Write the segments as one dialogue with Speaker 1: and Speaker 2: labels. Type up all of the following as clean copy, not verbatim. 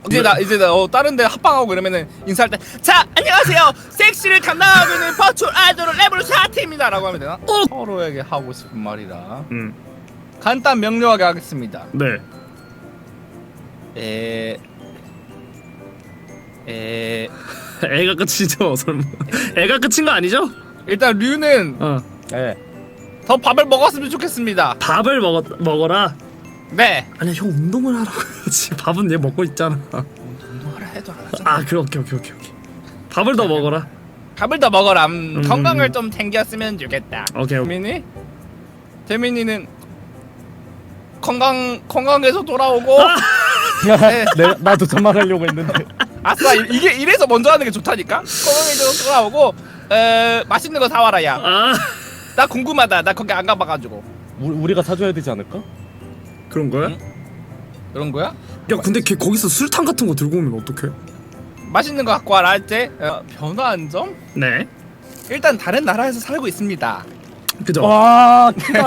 Speaker 1: 이제 나 다른 데 합방하고 그러면은 인사할 때 자 안녕하세요 섹시를 담당하고 있는 버추얼 아이돌 레벨 샤티입니다 라고 하면 되나? 서로에게 하고 싶은 말이라 간단 명료하게 하겠습니다.
Speaker 2: 네. 애가 끝이죠 설마. 애가 끝인 거 아니죠?
Speaker 1: 일단 류는
Speaker 3: 네.
Speaker 1: 더 밥을 먹었으면 좋겠습니다.
Speaker 2: 밥을 먹어라.
Speaker 1: 네.
Speaker 2: 아니야 형 운동을 하라고 해야지. 밥은 얘 먹고 있잖아.
Speaker 1: 운동하라 해도 안 하잖아.
Speaker 2: 아 그래 오케이. 밥을 더 먹어라.
Speaker 1: 밥을 더 먹어라. 건강을 좀 챙겼으면 좋겠다.
Speaker 2: 오케이.
Speaker 1: 재민이는 건강해서 돌아오고. 네.
Speaker 3: 나도 저 말하려고 했는데.
Speaker 1: 아싸 이게 이래서 먼저 하는 게 좋다니까. 건강해서 돌아오고 맛있는 거 사와라 야. 나 궁금하다. 나 거기 안 가봐가지고.
Speaker 3: 우리가 사줘야 되지 않을까?
Speaker 2: 그런 거야?
Speaker 1: 응? 그런 거야?
Speaker 2: 야 근데 걔 거기서 술탕 같은 거 들고 오면 어떡해?
Speaker 1: 맛있는 거 갖고 와라 할 때 변화한 점?
Speaker 2: 네.
Speaker 1: 일단 다른 나라에서 살고 있습니다.
Speaker 2: 그죠?
Speaker 3: 와 크다.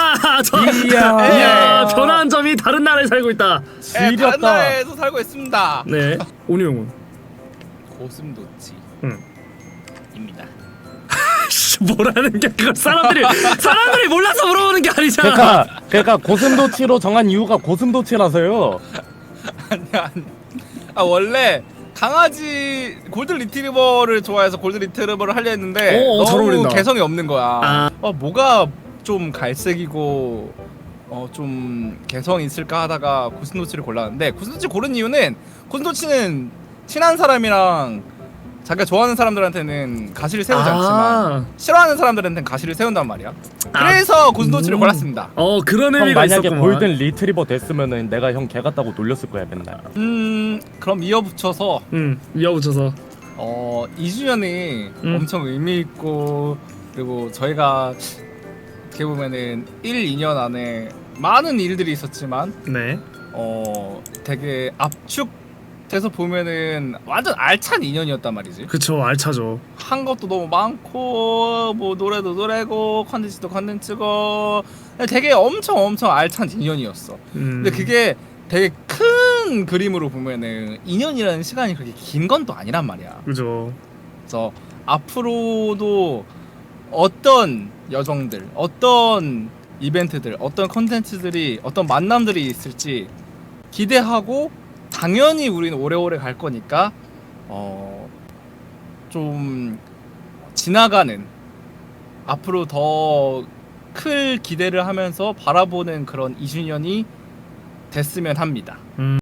Speaker 2: 이야 변화한 점이 다른 나라에 살고 있다.
Speaker 1: 다른
Speaker 3: 지렸다.
Speaker 1: 나라에서 살고 있습니다.
Speaker 2: 네. 온유 형은?
Speaker 1: 고슴도치. 입니다.
Speaker 2: 뭐라는 게 그걸 사람들이 몰라서 물어보는 게 아니잖아.
Speaker 3: 그러니까 고슴도치로 정한 이유가 고슴도치라서요.
Speaker 1: 아니야. 원래 강아지 골든 리트리버를 좋아해서 골든 리트리버를 하려 했는데
Speaker 2: 잘
Speaker 1: 너무
Speaker 2: 어울린다.
Speaker 1: 개성이 없는 거야. 뭐가 좀 갈색이고 좀 개성이 있을까 하다가 고슴도치를 골랐는데 고슴도치 고른 이유는 고슴도치는 친한 사람이랑 자기가 좋아하는 사람들한테는 가시를 세우지 않지만 싫어하는 사람들한테는 가시를 세운단 말이야. 그래서 고슴도치를 골랐습니다.
Speaker 2: 그런
Speaker 3: 형
Speaker 2: 의미가
Speaker 3: 만약에
Speaker 2: 있었구만.
Speaker 3: 골든 리트리버 됐으면은 내가 형 개 같다고 놀렸을 거야 맨날.
Speaker 1: 그럼 이어붙여서
Speaker 2: 이어붙여서
Speaker 1: 2주년이 엄청 의미 있고 그리고 저희가 어떻게 보면은 1, 2년 안에 많은 일들이 있었지만
Speaker 2: 네.
Speaker 1: 되게 압축돼서 보면은 완전 알찬 2년이었단 말이지.
Speaker 2: 그쵸 알차죠.
Speaker 1: 한 것도 너무 많고 뭐 노래도 노래고 컨텐츠도 컨텐츠고 되게 엄청 알찬 2년이었어. 근데 그게 되게 큰 그림으로 보면은 2년이라는 시간이 그렇게 긴 건 또 아니란 말이야.
Speaker 2: 그죠.
Speaker 1: 그래서 앞으로도 어떤 여정들, 어떤 이벤트들, 어떤 컨텐츠들이, 어떤 만남들이 있을지 기대하고 당연히 우리는 오래오래 갈 거니까 좀 지나가는 앞으로 더 클 기대를 하면서 바라보는 그런 2주년이 됐으면 합니다.